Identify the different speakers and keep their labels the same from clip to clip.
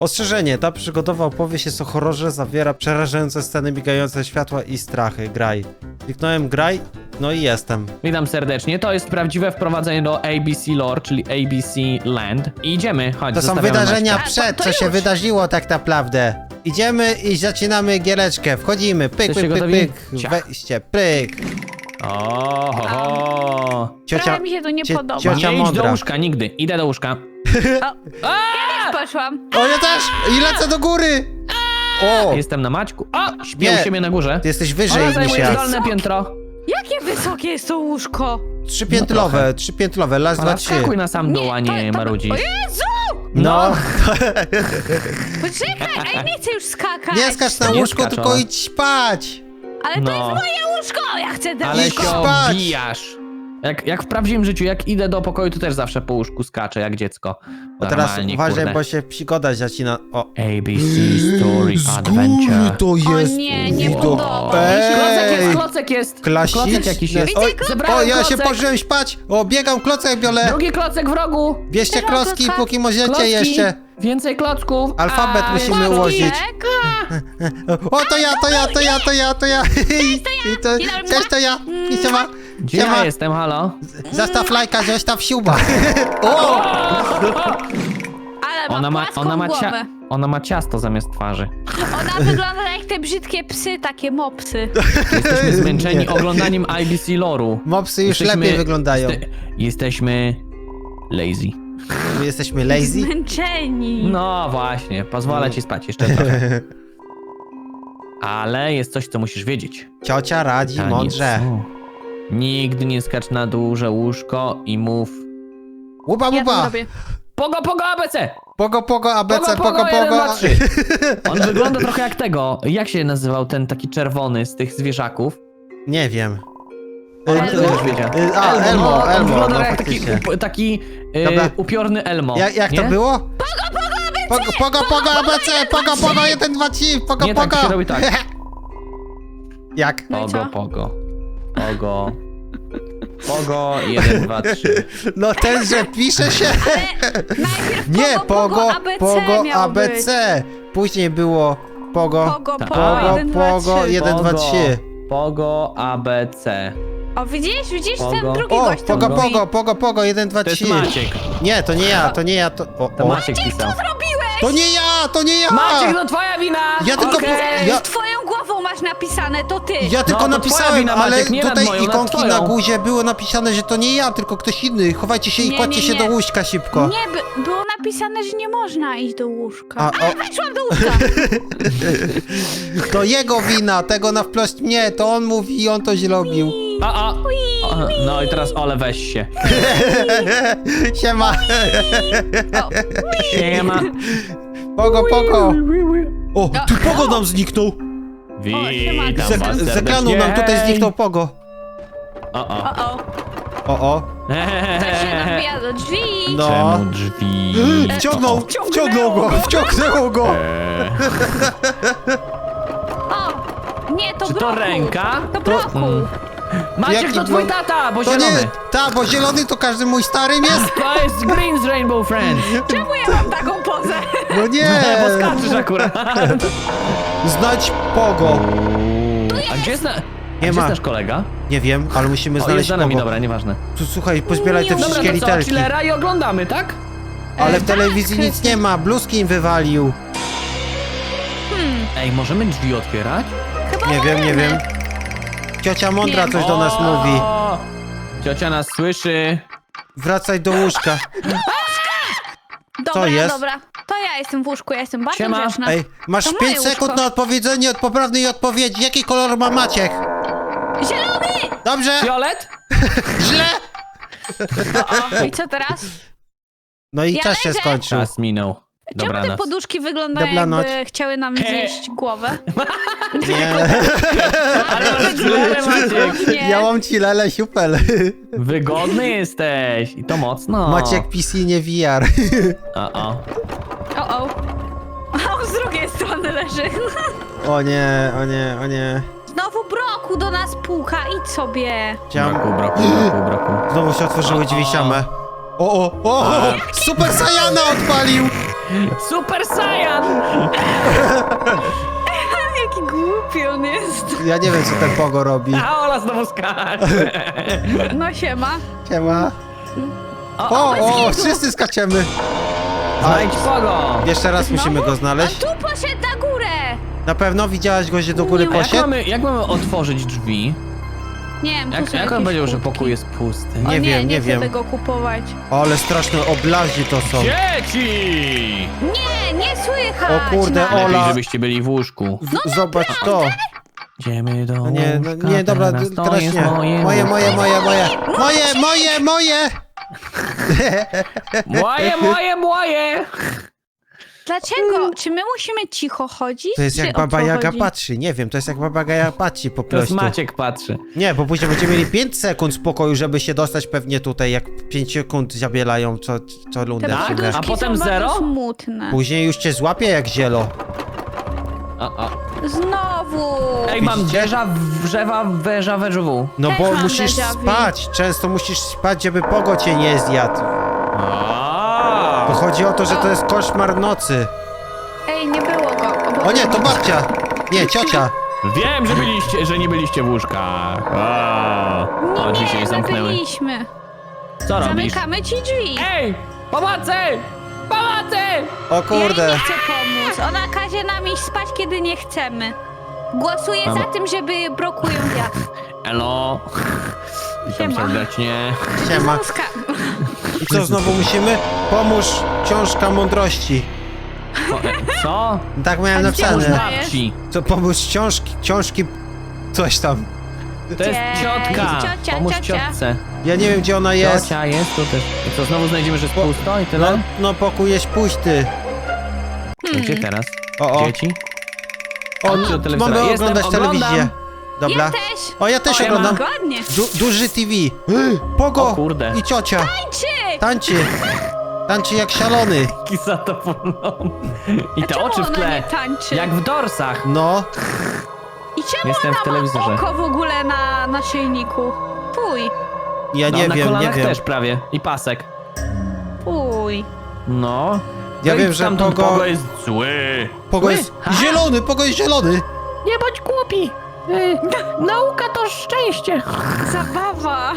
Speaker 1: Ostrzeżenie, ta przygodowa opowieść jest o horrorze, zawiera przerażające sceny, migające światła i strachy. Graj. Kliknąłem graj, no i jestem.
Speaker 2: Witam serdecznie, to jest prawdziwe wprowadzenie do ABC Lore, czyli ABC Land. I idziemy, chodź,
Speaker 1: To są
Speaker 2: zostawiamy
Speaker 1: wydarzenia
Speaker 2: Maćka.
Speaker 1: przed,
Speaker 3: to
Speaker 1: co się
Speaker 3: już.
Speaker 1: wydarzyło tak naprawdę. Idziemy i zaczynamy giereczkę. Wchodzimy, pyk,
Speaker 2: Jesteście
Speaker 1: pyk, pyk,
Speaker 2: gotowi?
Speaker 1: pyk.
Speaker 2: Ciach.
Speaker 1: Wejście, pyk.
Speaker 2: O, ho, ho.
Speaker 3: Trochę mi się to nie podoba.
Speaker 1: ciocia
Speaker 2: Nie idź do
Speaker 1: mądra.
Speaker 2: łóżka, nigdy. Idę do łóżka.
Speaker 3: Poszłam.
Speaker 1: O, ja też! I lecę do góry! O!
Speaker 2: Jestem na Maćku. O, śpię
Speaker 1: Nie.
Speaker 2: u siebie na górze.
Speaker 1: Ty jesteś wyżej
Speaker 2: Ona
Speaker 1: niż
Speaker 2: zajmuje
Speaker 1: ja.
Speaker 2: dolne piętro.
Speaker 3: Jakie wysokie jest to łóżko?
Speaker 1: Trzypiętlowe, trzypiętlowe, raz, dwa,
Speaker 2: Ona
Speaker 1: trzy.
Speaker 2: wskakuj na sam dół, a nie marudzisz.
Speaker 3: O Jezu!
Speaker 1: No,
Speaker 3: Poczekaj, ej, nie chcę już skakać.
Speaker 1: nie skacz na
Speaker 2: Nie
Speaker 1: łóżko,
Speaker 2: skacz,
Speaker 1: tylko
Speaker 2: ona.
Speaker 1: idź spać.
Speaker 3: Ale to
Speaker 2: No.
Speaker 3: jest moje łóżko, ja chcę ten
Speaker 2: Ale
Speaker 3: łóżko.
Speaker 2: się
Speaker 1: spać.
Speaker 2: obijasz. Jak w prawdziwym życiu, jak idę do pokoju, to też zawsze po łóżku skaczę, jak dziecko.
Speaker 1: O, teraz
Speaker 2: Normalnie,
Speaker 1: uważaj,
Speaker 2: kurde.
Speaker 1: bo się przygoda zacina. O.
Speaker 2: ABC Story Adventure.
Speaker 1: to
Speaker 3: O nie, nie
Speaker 1: Widok.
Speaker 3: podoba mi się.
Speaker 1: Ej.
Speaker 2: Klocek jest.
Speaker 1: Klasiczne.
Speaker 2: Klocek jakiś jest.
Speaker 3: Widzę
Speaker 1: Oj,
Speaker 2: Zebrałem
Speaker 1: o, ja się
Speaker 2: klocek.
Speaker 1: położyłem spać. O, biegam, klocek biorę.
Speaker 2: Drugi klocek w rogu.
Speaker 1: Bierzcie
Speaker 3: Teraz
Speaker 1: klocki,
Speaker 3: klocka.
Speaker 1: póki możecie
Speaker 2: Klocki.
Speaker 1: jeszcze.
Speaker 2: Więcej klocków.
Speaker 1: Alfabet
Speaker 2: A,
Speaker 1: musimy
Speaker 2: klocki.
Speaker 1: ułożyć. O, to ja. Cześć, to ja. I siema.
Speaker 2: Gdzie
Speaker 1: Siema.
Speaker 2: ja jestem, halo?
Speaker 1: Zostaw lajka, zostaw siuba. O!
Speaker 3: Ale ma płaską głowę.
Speaker 2: Ona ma ciasto zamiast twarzy.
Speaker 3: Ona wygląda jak te brzydkie psy, takie mopsy.
Speaker 2: Jesteśmy zmęczeni
Speaker 1: Nie.
Speaker 2: oglądaniem ABC Lore'u.
Speaker 1: Mopsy już
Speaker 2: Jesteśmy-
Speaker 1: lepiej wyglądają.
Speaker 2: Jesteśmy lazy.
Speaker 1: My jesteśmy lazy.
Speaker 3: Zmęczeni.
Speaker 2: No właśnie, pozwolę ci spać jeszcze trochę. Ale jest coś, co musisz wiedzieć.
Speaker 1: Ciocia radzi
Speaker 2: Tanie
Speaker 1: mądrze.
Speaker 2: są. Nigdy nie skacz na duże łóżko i mów
Speaker 1: Łupa,
Speaker 3: Ja to
Speaker 1: łupa.
Speaker 3: zrobię.
Speaker 2: Pogo, pogo, ABC!
Speaker 1: Pogo, ABC,
Speaker 2: Pogo,
Speaker 1: pogo,
Speaker 2: 1, 2,
Speaker 1: pogo.
Speaker 2: 3. On wygląda trochę jak tego. Jak się nazywał ten taki czerwony z tych zwierzaków?
Speaker 1: Nie wiem.
Speaker 2: On
Speaker 3: Elmo?
Speaker 2: to już wiedział.
Speaker 1: Elmo,
Speaker 2: on
Speaker 1: Elmo,
Speaker 2: wygląda
Speaker 1: no
Speaker 2: jak taki,
Speaker 1: faktycznie.
Speaker 2: taki
Speaker 1: Dobra.
Speaker 2: upiorny Elmo.
Speaker 1: Jak to
Speaker 2: nie?
Speaker 1: było? Pogo, ABC, pogo, 1, 2, 3, pogo,
Speaker 2: Nie, tak
Speaker 1: pogo.
Speaker 2: się robi tak.
Speaker 1: Jak?
Speaker 3: No i
Speaker 2: Pogo,
Speaker 3: co?
Speaker 2: pogo. Pogo. Pogo, 1, 2, 3.
Speaker 1: No ten, że pisze się.
Speaker 3: Najpierw
Speaker 1: Nie,
Speaker 3: pogo, ABC
Speaker 1: pogo,
Speaker 3: miało
Speaker 1: ABC. Później było pogo,
Speaker 3: Pogo,
Speaker 2: Tak.
Speaker 3: pogo, 1, 2, 3.
Speaker 1: pogo, 1, 2, 3.
Speaker 2: Pogo, ABC.
Speaker 3: O, widzisz,
Speaker 2: Pogo.
Speaker 3: ten drugi
Speaker 1: O,
Speaker 3: gość tam mówi.
Speaker 1: pogo, 1, 2,
Speaker 2: To jest
Speaker 1: 3.
Speaker 2: Maciek.
Speaker 1: Nie, to nie ja, to...
Speaker 2: To
Speaker 1: O.
Speaker 2: Maciek pisał.
Speaker 1: To nie ja!
Speaker 2: Maciek, no twoja wina!
Speaker 1: Ja tylko-
Speaker 2: Okej.
Speaker 1: ja-
Speaker 3: Z twoją głową masz napisane, to ty.
Speaker 1: Ja tylko
Speaker 2: to
Speaker 1: napisałem,
Speaker 2: twoja wina,
Speaker 1: ale
Speaker 2: Maciek, nie nad
Speaker 1: tutaj
Speaker 2: moją, nad
Speaker 1: ikonki
Speaker 2: twoją.
Speaker 1: na górze było napisane, że to nie ja, tylko ktoś inny. Chowajcie się i
Speaker 3: Nie,
Speaker 1: kładźcie
Speaker 3: nie,
Speaker 1: się
Speaker 3: nie.
Speaker 1: do łóżka szybko.
Speaker 3: Nie, było napisane, że nie można iść do łóżka.
Speaker 1: A,
Speaker 3: Ale
Speaker 1: o.
Speaker 3: weszłam do łóżka.
Speaker 1: To jego wina, tego na wprost nie, to on mówi i on to zrobił.
Speaker 2: O, no i teraz Ole, weź się.
Speaker 1: Siema.
Speaker 3: O,
Speaker 2: Siema.
Speaker 1: Pogo. O, tu pogo nam zniknął.
Speaker 2: Witam
Speaker 3: Zek-
Speaker 2: was
Speaker 1: Z ekranu nam tutaj
Speaker 2: serdecznie.
Speaker 1: zniknął pogo.
Speaker 2: O.
Speaker 3: o. Ktoś się
Speaker 2: Eee.
Speaker 3: dobija do drzwi.
Speaker 1: No.
Speaker 2: Czemu drzwi?
Speaker 1: Wciągnął go.
Speaker 3: O, nie, to
Speaker 2: Czy to
Speaker 3: broku.
Speaker 2: ręka?
Speaker 3: To broku.
Speaker 2: Maciek,
Speaker 1: Jaki
Speaker 2: to twój
Speaker 1: blok?
Speaker 2: tata, bo
Speaker 1: To nie,
Speaker 2: zielony.
Speaker 1: bo zielony to każdy mój starym jest?
Speaker 2: To jest Green z Rainbow Friends.
Speaker 3: Czemu ja mam taką pozę?
Speaker 1: No nie.
Speaker 2: Bo skaczesz akurat.
Speaker 1: Znać pogo.
Speaker 2: A gdzie jest,
Speaker 1: Nie
Speaker 2: gdzie
Speaker 1: ma.
Speaker 2: jest nasz kolega?
Speaker 1: Nie wiem, ale musimy
Speaker 2: O, jest
Speaker 1: znaleźć
Speaker 2: za nami,
Speaker 1: pogo.
Speaker 2: dobra, nieważne.
Speaker 1: Tu słuchaj, pozbieraj te
Speaker 3: Dobra,
Speaker 1: wszystkie
Speaker 2: Dobra, to co,
Speaker 1: literki.
Speaker 2: chillera i oglądamy, tak?
Speaker 1: Ale w
Speaker 3: Tak,
Speaker 1: telewizji nic nie ma, bluzki im wywalił.
Speaker 2: Ej, możemy drzwi otwierać?
Speaker 3: Chyba
Speaker 1: Nie wiem.
Speaker 3: możemy.
Speaker 1: Ciocia mądra
Speaker 3: Nie.
Speaker 1: coś do nas mówi.
Speaker 2: O, ciocia nas słyszy.
Speaker 1: Wracaj do łóżka.
Speaker 3: Dobra,
Speaker 1: jest?
Speaker 3: dobra. To ja jestem w łóżku, ja jestem bardzo
Speaker 2: Siema.
Speaker 3: grzeczna.
Speaker 1: Ej, masz
Speaker 3: To
Speaker 1: 5
Speaker 3: moje
Speaker 1: sekund
Speaker 3: łóżko.
Speaker 1: na odpowiedzenie od poprawnej odpowiedzi. Jaki kolor ma Maciek?
Speaker 3: Zielony!
Speaker 1: Dobrze?
Speaker 2: Fiolet?
Speaker 1: Źle?
Speaker 3: O, i co teraz?
Speaker 1: No i
Speaker 3: Ja
Speaker 1: czas się
Speaker 3: leżę.
Speaker 1: skończył.
Speaker 2: Czas minął.
Speaker 3: Czemu te
Speaker 2: Dobranoc.
Speaker 3: poduszki wyglądają
Speaker 1: Dobranoc.
Speaker 3: jakby chciały nam zjeść głowę?
Speaker 1: Nie.
Speaker 2: Ale masz chillerę, Maciek.
Speaker 3: Nie.
Speaker 1: Ja mam ci lele siupel.
Speaker 2: Wygodny jesteś. I to mocno.
Speaker 1: Maciek PC nie VR.
Speaker 2: O.
Speaker 3: O. A on z drugiej strony leży.
Speaker 1: O nie.
Speaker 3: Znowu broku do nas puka, idź sobie.
Speaker 1: Chciałem...
Speaker 2: Braku.
Speaker 1: Znowu się otworzyły drzwi same. O! Super Saiyana odpalił!
Speaker 2: Super Saiyan!
Speaker 3: Jaki głupi on jest.
Speaker 1: Ja nie wiem, co ten Pogo robi.
Speaker 2: A Ola znowu skacze.
Speaker 3: No siema.
Speaker 1: Siema.
Speaker 2: O,
Speaker 1: O, wszyscy skaczemy.
Speaker 2: znajdź Pogo!
Speaker 1: Jeszcze raz musimy go
Speaker 3: A
Speaker 1: znaleźć.
Speaker 3: tu poszedł na górę.
Speaker 1: Na pewno widziałaś go, że do góry
Speaker 3: Nie,
Speaker 2: A jak
Speaker 1: poszedł?
Speaker 2: mamy otworzyć drzwi?
Speaker 3: Nie wiem, tu są
Speaker 2: Jak on
Speaker 3: jakieś
Speaker 2: powiedział, że
Speaker 3: kubki.
Speaker 2: pokój jest pusty?
Speaker 3: O,
Speaker 1: Nie wiem, nie
Speaker 3: chcę
Speaker 1: wiem.
Speaker 3: tego kupować.
Speaker 1: Ale straszne oblazi to są.
Speaker 2: Dzieci!
Speaker 3: Nie słychać.
Speaker 1: O kurde,
Speaker 3: nas.
Speaker 1: Ola.
Speaker 2: Lepiej, żebyście byli w łóżku.
Speaker 1: Zobacz to.
Speaker 2: Idziemy do
Speaker 1: No nie,
Speaker 2: łóżka,
Speaker 1: nie, dobra,
Speaker 2: teraz to
Speaker 1: teraz
Speaker 2: jest
Speaker 1: nie.
Speaker 2: moje
Speaker 1: Moje.
Speaker 2: Moje!
Speaker 3: Dlaczego? Czy my musimy cicho chodzić?
Speaker 1: To jest
Speaker 3: czy
Speaker 1: jak
Speaker 3: o
Speaker 1: Baba
Speaker 3: co
Speaker 1: Jaga
Speaker 3: chodzi?
Speaker 1: patrzy. Nie wiem, to jest jak Baba Jaga patrzy po
Speaker 2: Teraz
Speaker 1: prostu.
Speaker 2: Maciek patrzy.
Speaker 1: Nie, bo później będziemy mieli 5 sekund spokoju, żeby się dostać pewnie tutaj, jak 5 sekund zabielają co lundę
Speaker 3: Te
Speaker 1: w
Speaker 2: Tak?
Speaker 1: sumie.
Speaker 3: poduszki
Speaker 2: A potem
Speaker 3: są
Speaker 2: zero?
Speaker 3: bardzo smutne.
Speaker 1: Później już cię złapie jak zielo.
Speaker 3: Znowu.
Speaker 2: Ej, mam
Speaker 1: Widzicie?
Speaker 2: węża w.
Speaker 1: No
Speaker 3: Też
Speaker 1: bo
Speaker 3: mam
Speaker 1: musisz
Speaker 3: déjà vu.
Speaker 1: spać, często musisz spać, żeby Pogo cię nie zjadł. Bo chodzi o to, że to jest koszmar nocy.
Speaker 3: Ej, nie było go.
Speaker 1: O nie, to babcia! Nie, ciocia.
Speaker 2: Wiem, że nie byliście w łóżkach. O, drzwi się nie
Speaker 3: my
Speaker 2: zamknęły.
Speaker 3: byliśmy.
Speaker 2: Co robisz?
Speaker 3: Zamykamy ci drzwi.
Speaker 2: Ej! Pomocy! Pomocy!
Speaker 1: O
Speaker 3: Ja jej
Speaker 1: kurde.
Speaker 3: nie chcę pomóc. Ona każe nam iść spać, kiedy nie chcemy. Głosuję
Speaker 2: Mamo.
Speaker 3: za tym, żeby blokują wiatr.
Speaker 2: Elo! Witam
Speaker 3: Siema.
Speaker 2: serdecznie.
Speaker 1: Siema.
Speaker 3: Zuzka.
Speaker 1: I co, znowu musimy? Pomóż książka mądrości.
Speaker 2: Co?
Speaker 1: Tak miałem
Speaker 3: A gdzie
Speaker 2: Pomóż
Speaker 3: ona
Speaker 1: napisane.
Speaker 2: babci.
Speaker 1: Co, pomóż książki, coś tam.
Speaker 2: To jest
Speaker 3: Gdzie?
Speaker 2: ciotka.
Speaker 3: Ciocia,
Speaker 2: Pomóż
Speaker 3: ciocia.
Speaker 2: ciotce.
Speaker 1: Ja nie wiem, gdzie ona jest.
Speaker 2: Ciocia jest tu też. I co, znowu znajdziemy, że jest pusto i
Speaker 1: No,
Speaker 2: tyle?
Speaker 1: no pokój jest pusty.
Speaker 2: Gdzie teraz?
Speaker 1: O.
Speaker 2: Dzieci?
Speaker 1: O,
Speaker 2: Chodźcie do telewizora.
Speaker 1: mamy
Speaker 2: Jestem,
Speaker 1: oglądać
Speaker 2: oglądam.
Speaker 1: telewizję. Dobra.
Speaker 3: Ja też.
Speaker 1: O, ja też
Speaker 2: O, ja
Speaker 1: oglądam.
Speaker 3: Ładnie.
Speaker 1: Duży TV. Pogo
Speaker 2: O kurde.
Speaker 1: i ciocia.
Speaker 3: Tańczy!
Speaker 1: Tańczy. Tańczy jak szalony.
Speaker 2: Taki zadowolony. I te
Speaker 3: Czemu
Speaker 2: oczy w
Speaker 3: ona
Speaker 2: tle.
Speaker 3: nie tańczy?
Speaker 2: Jak w dorsach.
Speaker 1: No.
Speaker 3: I czemu
Speaker 2: Jestem w
Speaker 3: ona
Speaker 2: telewizorze.
Speaker 3: ma oko w ogóle na naszyjniku? Fuj.
Speaker 1: Ja
Speaker 2: No,
Speaker 1: nie
Speaker 2: na
Speaker 1: wiem, nie
Speaker 2: kolanach
Speaker 1: wiem.
Speaker 2: też prawie. I pasek.
Speaker 3: Fuj.
Speaker 2: No.
Speaker 1: Ja
Speaker 2: No
Speaker 1: wiem,
Speaker 2: i
Speaker 1: że
Speaker 2: tamten
Speaker 1: Pogo-
Speaker 2: Pogo jest zły.
Speaker 1: Pogo
Speaker 2: Zły?
Speaker 1: jest
Speaker 2: Ha?
Speaker 1: zielony, Pogo jest zielony.
Speaker 2: Nie bądź głupi. Nauka to szczęście.
Speaker 3: Zabawa.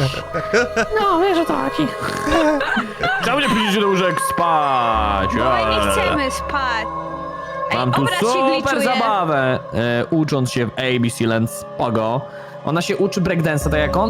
Speaker 2: No, wiesz o to chodzi. Czemu nie pójdziecie do łóżek spać?
Speaker 3: Bo my nie chcemy spać. Ej,
Speaker 2: Mam tu
Speaker 3: obraz się
Speaker 2: super
Speaker 3: gliczuje.
Speaker 2: zabawę. Ucząc się w ABC Land z Pogo. Ona się uczy breakdance'a, tak jak on.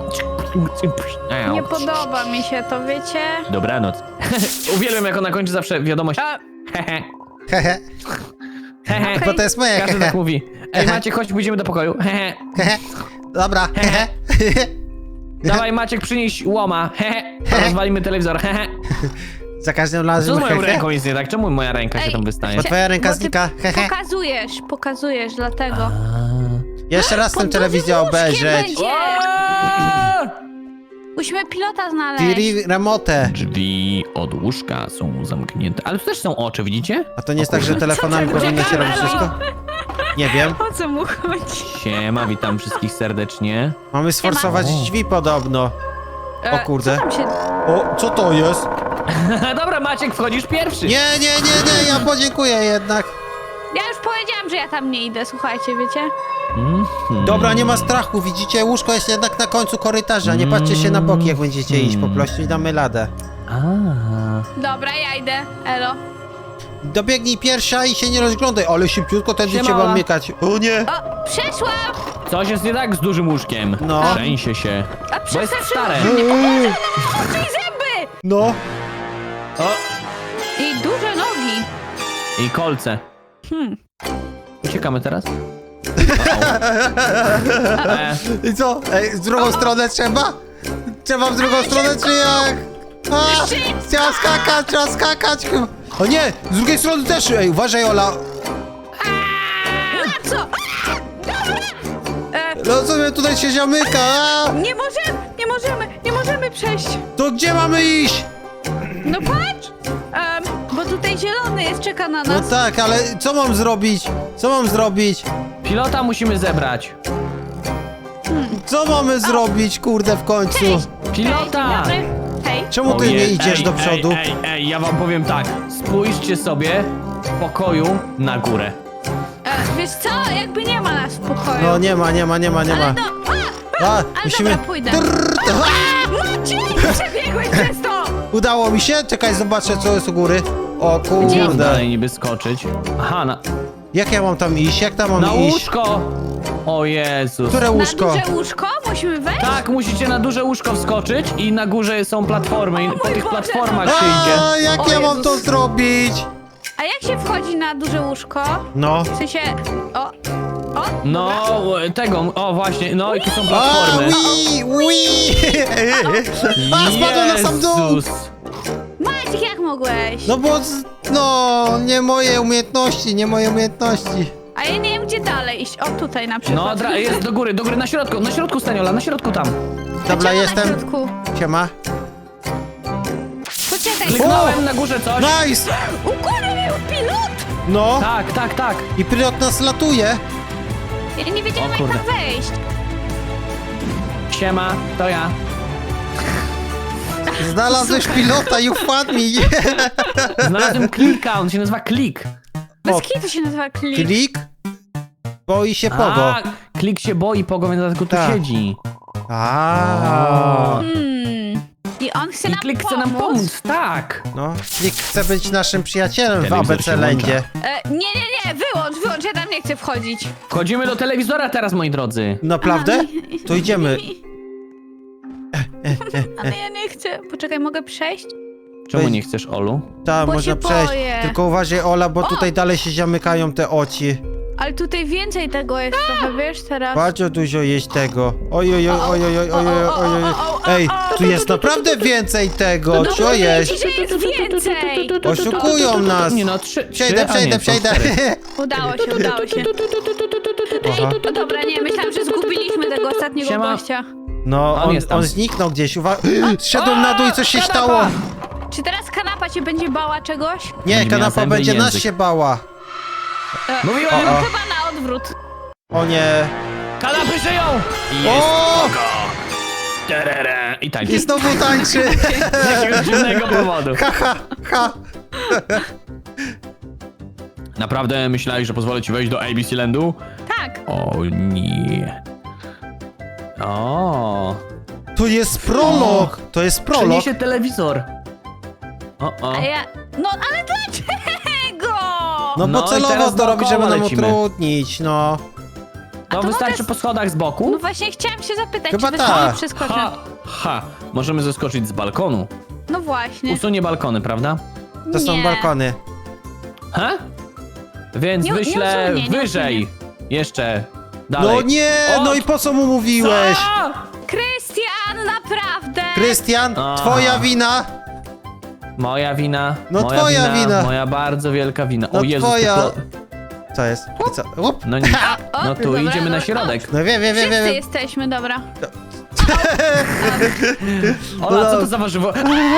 Speaker 3: Nie podoba mi się to, wiecie?
Speaker 2: Dobranoc. Uwielbiam, jak ona kończy zawsze wiadomość.
Speaker 3: A,
Speaker 2: Hehe.
Speaker 1: Hehe.
Speaker 2: Hehe.
Speaker 1: Bo to jest moje
Speaker 2: Każdy
Speaker 1: hehe.
Speaker 2: tak mówi. Ej, Maciek, chodź, pójdziemy do pokoju. Hehe.
Speaker 1: Hehe. Dobra. Hehe.
Speaker 2: Dawaj, Maciek, przynieś łoma. Hehe. Rozwalimy telewizor. Hehe.
Speaker 1: Za każdym
Speaker 2: Co z
Speaker 1: razem
Speaker 2: moją
Speaker 1: hehe.
Speaker 2: ręką jest nie tak? Czemu moja ręka się
Speaker 3: Ej,
Speaker 2: tam wystaje?
Speaker 1: Bo twoja ręka
Speaker 3: bo ty
Speaker 1: znika. Hehe.
Speaker 3: pokazujesz, dlatego.
Speaker 1: Jeszcze raz tę
Speaker 3: Pod
Speaker 1: telewizję
Speaker 3: dużym łóżkiem
Speaker 1: obejrzeć.
Speaker 3: będzie.
Speaker 2: Aaaa!
Speaker 3: Musimy pilota znaleźć.
Speaker 1: Tiri remote.
Speaker 2: Drzwi od łóżka są zamknięte. Ale tu też są oczy, widzicie?
Speaker 1: A to nie jest tak, że telefonami
Speaker 3: Co ty
Speaker 1: powinno się
Speaker 3: czekamy,
Speaker 1: robić wszystko? Nie wiem.
Speaker 3: O co mu chodzi?
Speaker 2: Siema, witam wszystkich serdecznie.
Speaker 1: Mamy sforsować
Speaker 2: Siema.
Speaker 1: drzwi podobno. O kurde.
Speaker 3: Co tam się...
Speaker 1: O, co to jest?
Speaker 2: Dobra, Maciek, wchodzisz pierwszy.
Speaker 1: Nie, ja podziękuję jednak.
Speaker 3: Ja już powiedziałam, że ja tam nie idę, słuchajcie, wiecie?
Speaker 2: Mhm.
Speaker 1: Dobra, nie ma strachu, widzicie? Łóżko jest jednak na końcu korytarza. Nie patrzcie się na boki, jak będziecie iść, po prostu i damy ladę.
Speaker 2: A.
Speaker 3: Dobra, ja idę. Elo.
Speaker 1: Dobiegnij pierwsza i się nie rozglądaj, ale szybciutko tędy
Speaker 2: Siema.
Speaker 1: trzeba mykać. O nie!
Speaker 3: O, przeszłam!
Speaker 2: Coś jest nie tak z dużym łóżkiem.
Speaker 1: No.
Speaker 2: Trzęsie się.
Speaker 3: A
Speaker 2: Bo jest stare.
Speaker 3: Oczy i zęby!
Speaker 1: No,
Speaker 2: O,
Speaker 3: I duże nogi.
Speaker 2: i kolce. Uciekamy teraz?
Speaker 1: i co? Ej, z drugą stronę trzeba? Trzeba w drugą stronę, czy jak? A, trzeba skakać chyba. O nie, z drugiej strony też. Ej, uważaj, Ola.
Speaker 3: A co?
Speaker 1: No co mnie tutaj się zamyka? A,
Speaker 3: Nie możemy przejść.
Speaker 1: to gdzie mamy iść?
Speaker 3: No patrz! Bo tutaj zielony jest, czeka na
Speaker 1: No
Speaker 3: nas.
Speaker 1: tak, ale co mam zrobić? Co mam zrobić?
Speaker 2: Pilota musimy zebrać.
Speaker 1: Co mamy zrobić, kurde, w końcu?
Speaker 3: Cześć!
Speaker 2: Pilota!
Speaker 3: Cześć, dzień dobry. Hej.
Speaker 1: Czemu ty
Speaker 2: Ojej,
Speaker 1: nie idziesz
Speaker 2: ej,
Speaker 1: do przodu?
Speaker 2: Ej, ja wam powiem tak. Spójrzcie sobie w pokoju na górę.
Speaker 3: Wiesz co, jakby nie ma nas w pokoju.
Speaker 1: No nie ma.
Speaker 3: Ale no,
Speaker 1: A,
Speaker 3: musimy... Dobra, pójdę. Maciek, przebiegłeś przez to!
Speaker 1: Udało mi się? Czekaj, zobaczę co jest u góry. O
Speaker 2: Gdzie
Speaker 1: kurde.
Speaker 2: dalej niby skoczyć? Aha,
Speaker 1: Jak ja mam tam iść? Jak tam mam
Speaker 2: na
Speaker 1: iść?
Speaker 2: łóżko! O Jezus.
Speaker 1: Które łóżko?
Speaker 3: Na duże łóżko? Musimy wejść?
Speaker 2: Tak, musicie na duże łóżko wskoczyć i na górze są platformy i po
Speaker 3: mój
Speaker 2: tych
Speaker 3: Boże,
Speaker 2: platformach
Speaker 3: to-
Speaker 2: się idzie.
Speaker 1: A, jak
Speaker 3: O
Speaker 1: ja mam
Speaker 3: Jezus.
Speaker 1: to zrobić?
Speaker 3: A jak się wchodzi na duże łóżko?
Speaker 1: No.
Speaker 3: W sensie... O,
Speaker 2: No, tego, o właśnie, no i tu są
Speaker 1: A,
Speaker 2: platformy.
Speaker 1: A, spadłem na sam dół!
Speaker 2: Jezus.
Speaker 3: Maciek, jak mogłeś?
Speaker 1: No, nie moje umiejętności, nie moje umiejętności.
Speaker 3: A ja nie wiem, gdzie dalej iść. O, tutaj na przykład.
Speaker 2: No, jest do góry, na środku Staniola, na środku tam.
Speaker 1: Dobra,
Speaker 3: Czemu na
Speaker 1: jestem.
Speaker 3: środku?
Speaker 1: Siema.
Speaker 3: Poczekaj,
Speaker 2: Kliknąłem na górze coś.
Speaker 1: Nice!
Speaker 3: u góry był pilot!
Speaker 1: No,
Speaker 2: Tak.
Speaker 1: i pilot nas latuje.
Speaker 3: Ja nie wiedziałem,
Speaker 2: O
Speaker 3: jak
Speaker 2: kurde.
Speaker 3: tam wejść.
Speaker 2: Siema, to ja.
Speaker 1: Znalazłeś pilota i wpadł mi.
Speaker 2: Znalazłem klika, on się nazywa Klik.
Speaker 3: Bez
Speaker 1: O.
Speaker 3: kitu się nazywa klik.
Speaker 1: Klik? Boi się Pogo.
Speaker 2: A, Klik się boi, Pogo, więc dlatego tu
Speaker 1: Tak.
Speaker 2: siedzi.
Speaker 1: A.
Speaker 3: I on chce
Speaker 2: I
Speaker 3: nam
Speaker 2: Klik
Speaker 3: pomóc.
Speaker 2: chce nam pomóc, tak.
Speaker 1: No, Klik chce być naszym przyjacielem w
Speaker 2: Telewizor
Speaker 1: ABC
Speaker 2: się
Speaker 1: Landzie.
Speaker 3: Nie, wyłącz, ja tam nie chcę wchodzić.
Speaker 2: Wchodzimy do telewizora teraz, moi drodzy.
Speaker 1: Naprawdę? To idziemy.
Speaker 3: Ale ja nie chcę. Poczekaj, mogę przejść?
Speaker 2: Czemu
Speaker 1: Weź.
Speaker 2: nie chcesz, Olu?
Speaker 1: Tam
Speaker 3: Bo
Speaker 1: można
Speaker 3: się
Speaker 1: przejść.
Speaker 3: boję.
Speaker 1: Tylko uważaj, Ola, bo tutaj dalej się zamykają te oci.
Speaker 3: Ale tutaj więcej tego jest trochę, wiesz, teraz.
Speaker 1: Bardzo dużo jest tego. Oj. Ej, tu jest naprawdę więcej tego. Co
Speaker 3: Mówię
Speaker 1: jest?
Speaker 3: ci, że jest więcej!
Speaker 1: Oszukują nas.
Speaker 2: Nie no,
Speaker 1: Przejdę.
Speaker 3: Udało się.
Speaker 1: Aha.
Speaker 3: No dobra, nie, myślałam, że zgubiliśmy tego ostatniego
Speaker 2: Siema.
Speaker 3: gościa.
Speaker 1: No,
Speaker 2: On jest tam.
Speaker 1: on zniknął gdzieś. Szedłem na dół i coś się
Speaker 2: kanapa!
Speaker 1: stało.
Speaker 3: Czy teraz kanapa się będzie bała czegoś?
Speaker 1: Nie,
Speaker 2: Będzie miała
Speaker 1: kanapa
Speaker 2: zęby i
Speaker 1: będzie nas
Speaker 2: język.
Speaker 1: się bała.
Speaker 2: Mówiłem,
Speaker 1: O.
Speaker 3: Chyba na odwrót.
Speaker 1: O nie.
Speaker 2: kanapy żyją! I jest
Speaker 1: O!
Speaker 2: Pogo. Terere. I tańczy.
Speaker 1: I znowu tańczy.
Speaker 2: Z jakiegoś dziwnego powodu.
Speaker 1: Ha.
Speaker 2: Naprawdę myślałeś, że pozwolę ci wejść do ABC Landu?
Speaker 3: Tak.
Speaker 2: O nie. O.
Speaker 1: To jest prolog. To jest prolog.
Speaker 2: Przeniesie telewizor. O.
Speaker 3: A ja... No, ale dlaczego?
Speaker 1: No
Speaker 2: No
Speaker 1: bo
Speaker 2: i
Speaker 1: celowo
Speaker 2: teraz
Speaker 1: to robi, żeby
Speaker 2: dookoła
Speaker 1: nam
Speaker 2: lecimy.
Speaker 1: utrudnić, no.
Speaker 2: To
Speaker 3: to
Speaker 2: wystarczy
Speaker 3: mogę-
Speaker 2: po schodach z boku?
Speaker 3: No właśnie chciałam się zapytać,
Speaker 1: Chyba
Speaker 3: czy
Speaker 1: tak.
Speaker 3: wy przeskoczę.
Speaker 2: Ha. Możemy zeskoczyć z balkonu.
Speaker 3: No właśnie.
Speaker 2: Usunie balkony, prawda?
Speaker 1: To są
Speaker 3: Nie.
Speaker 1: balkony.
Speaker 2: Ha? Więc
Speaker 3: Nie
Speaker 2: wyślę
Speaker 3: usunie, nie
Speaker 2: wyżej. Jeszcze. Dalej.
Speaker 1: No nie,
Speaker 2: O!
Speaker 1: no i po co mu mówiłeś?
Speaker 2: Co?
Speaker 3: Krystian, naprawdę!
Speaker 1: Krystian,
Speaker 2: Aha.
Speaker 1: twoja wina.
Speaker 2: Moja wina.
Speaker 1: No
Speaker 2: moja
Speaker 1: twoja wina.
Speaker 2: Moja bardzo wielka wina.
Speaker 1: No
Speaker 2: O Jezus,
Speaker 1: twoja.
Speaker 2: to...
Speaker 1: Co jest? I co? Łup.
Speaker 2: No nie.
Speaker 3: O,
Speaker 2: No tu
Speaker 3: dobra,
Speaker 2: idziemy na
Speaker 3: dobra.
Speaker 2: środek.
Speaker 1: No wiem.
Speaker 3: Wszyscy jesteśmy, dobra.
Speaker 2: Ola, co to za warzywo?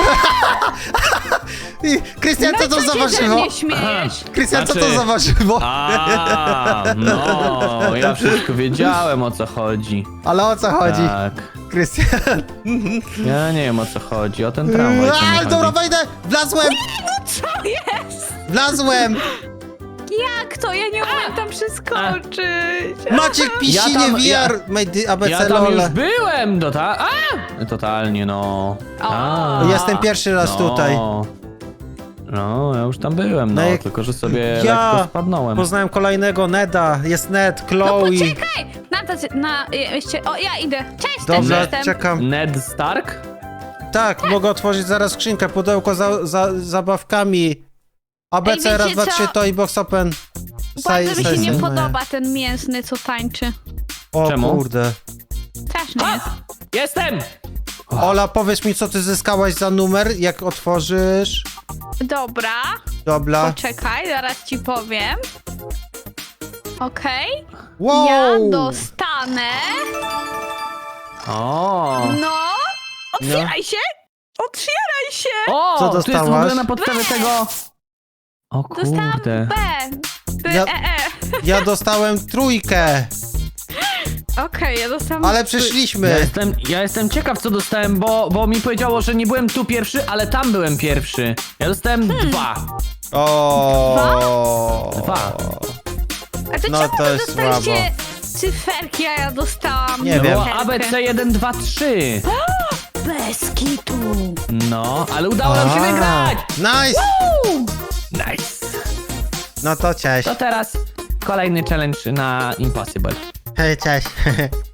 Speaker 1: Krystian, co to
Speaker 3: No
Speaker 1: za
Speaker 3: co się ze
Speaker 1: warzywo?
Speaker 3: mnie śmiejesz?
Speaker 1: Krystian, co to
Speaker 2: Znaczy-
Speaker 1: za warzywo?
Speaker 2: A, no, ja wszystko wiedziałem, o co chodzi.
Speaker 1: Ale o co chodzi?
Speaker 2: Tak.
Speaker 1: Krystian.
Speaker 2: Ja nie wiem, o co chodzi. O ten tramwaj. co mi
Speaker 1: Aj,
Speaker 2: chodzi.
Speaker 1: dobra, wejdę! Wlazłem!
Speaker 3: Co jest?
Speaker 1: Wlazłem!
Speaker 3: Jak to? Ja nie umiem tam przeskoczyć.
Speaker 1: Maciek Pisinie
Speaker 2: Ja
Speaker 1: VR! Made ABC
Speaker 2: Ja tam
Speaker 1: LOL.
Speaker 2: już byłem, totalnie, no.
Speaker 3: O.
Speaker 2: Tak.
Speaker 1: Jestem pierwszy raz
Speaker 2: No.
Speaker 1: tutaj.
Speaker 2: No, ja już tam byłem, no,
Speaker 1: No jak-
Speaker 2: tylko że sobie
Speaker 1: Ja
Speaker 2: lekko spadnąłem.
Speaker 1: Poznałem kolejnego Neda. Jest Ned,
Speaker 3: No
Speaker 1: Chloe.
Speaker 3: poczekaj! Jeszcze... O, ja idę. Cześć, też
Speaker 1: Dobra,
Speaker 3: jestem.
Speaker 1: czekam.
Speaker 2: Ned Stark?
Speaker 1: Tak, mogę otworzyć zaraz skrzynkę, pudełko za zabawkami. ABC,
Speaker 3: Ej,
Speaker 1: raz,
Speaker 3: wiecie
Speaker 1: dwa, trzy,
Speaker 3: co?
Speaker 1: to i box open.
Speaker 3: Bardzo mi się nie
Speaker 1: Size.
Speaker 3: podoba ten mięsny, co tańczy.
Speaker 1: O
Speaker 2: Czemu?
Speaker 1: kurde.
Speaker 3: Straszny jest.
Speaker 2: Jestem!
Speaker 1: Ola, powiedz mi, co ty zyskałaś za numer, jak otworzysz.
Speaker 3: Dobra,
Speaker 1: Dobra.
Speaker 3: poczekaj, zaraz ci powiem. Okej,
Speaker 1: Wow!
Speaker 3: ja dostanę...
Speaker 2: O!
Speaker 3: No! Otwieraj się! Otwieraj się!
Speaker 2: O!
Speaker 1: Co
Speaker 2: Tu jest w
Speaker 1: dostałaś?
Speaker 2: ogóle na podstawie tego... O
Speaker 3: Dostałam
Speaker 2: kurde.
Speaker 3: B.
Speaker 1: Ja dostałem trójkę.
Speaker 3: Okej, ja dostałam...
Speaker 1: Ale przeszliśmy.
Speaker 2: Ja jestem ciekaw, co dostałem, bo mi powiedziało, że nie byłem tu pierwszy, ale tam byłem pierwszy. Ja dostałem 2.
Speaker 1: O.
Speaker 2: 2.
Speaker 3: A to
Speaker 1: No
Speaker 3: czemu
Speaker 1: to
Speaker 3: wy
Speaker 1: jest
Speaker 3: dostaliście cyferki, a ja dostałam...
Speaker 1: Nie wiem.
Speaker 2: Było
Speaker 3: cyferkę?
Speaker 2: ABC 1, 2, 3.
Speaker 3: Bez kitu.
Speaker 2: No, ale udało nam się wygrać!
Speaker 1: Nice.
Speaker 2: Nice.
Speaker 1: No to cześć.
Speaker 2: To teraz kolejny challenge na Impossible.
Speaker 1: Hej, cześć.